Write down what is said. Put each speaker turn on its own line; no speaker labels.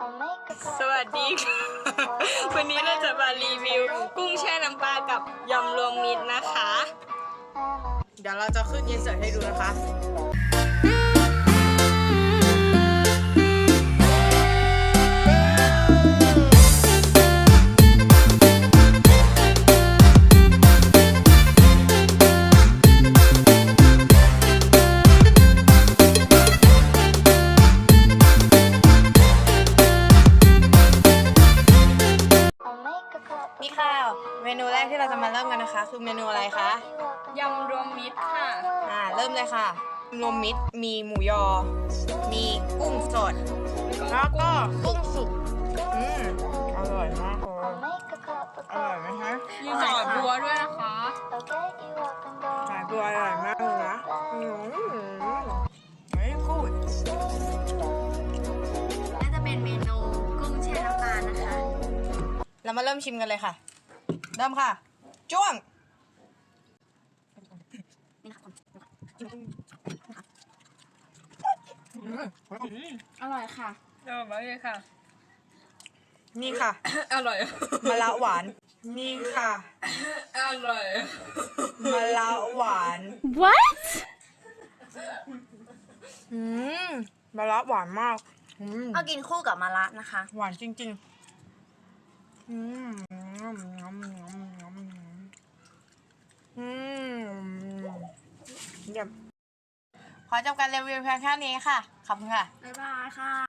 สวัสดีค่ะ วันนี้เราจะมารีวิวกุ้งแช่น้ำปลากับยำรวมมิตรนะคะ
เดี๋ยวเราจะขึ้นอินเสิร์ตให้ดูนะคะนี่ค่ะเมนูแรกที่เราจะมาเริ่มกันนะคะคือเมนูอะไรคะ
ยำรวมมิตรค่ะ
เริ่มเลยค่ะรวมมิตรมีหมูยอ มีกุ้งสด แล้วก็กุ้งสุกอร่อยมากเลยอร่อยไหมคะ
มีหน่อบัวด้วยนะคะ
สายบัวอร่อยมากเลยนะเฮ้ยกูด
น่าจะเป็นเมนูกุ้งแช่น้ำปลานะคะ
เรามาเริ่มชิมกันเลยค่ะ เริ่มค่ะ จ้วง
อร่อยค่ะ
อร่อยมากเลยค่ะ
นี่ค่ะ
อร่อย
มะระหวาน นี่ค่ะ
อร่อย
มะระหวาน
What
มะระหวานมาก
เอากินคู่กับมะระนะคะ
หวานจริงๆเยี่ยมขอจบการรีวิวเพียงแค่นี้ค่ะ ขอบคุณค่ะ
บ๊ายบายค่ะ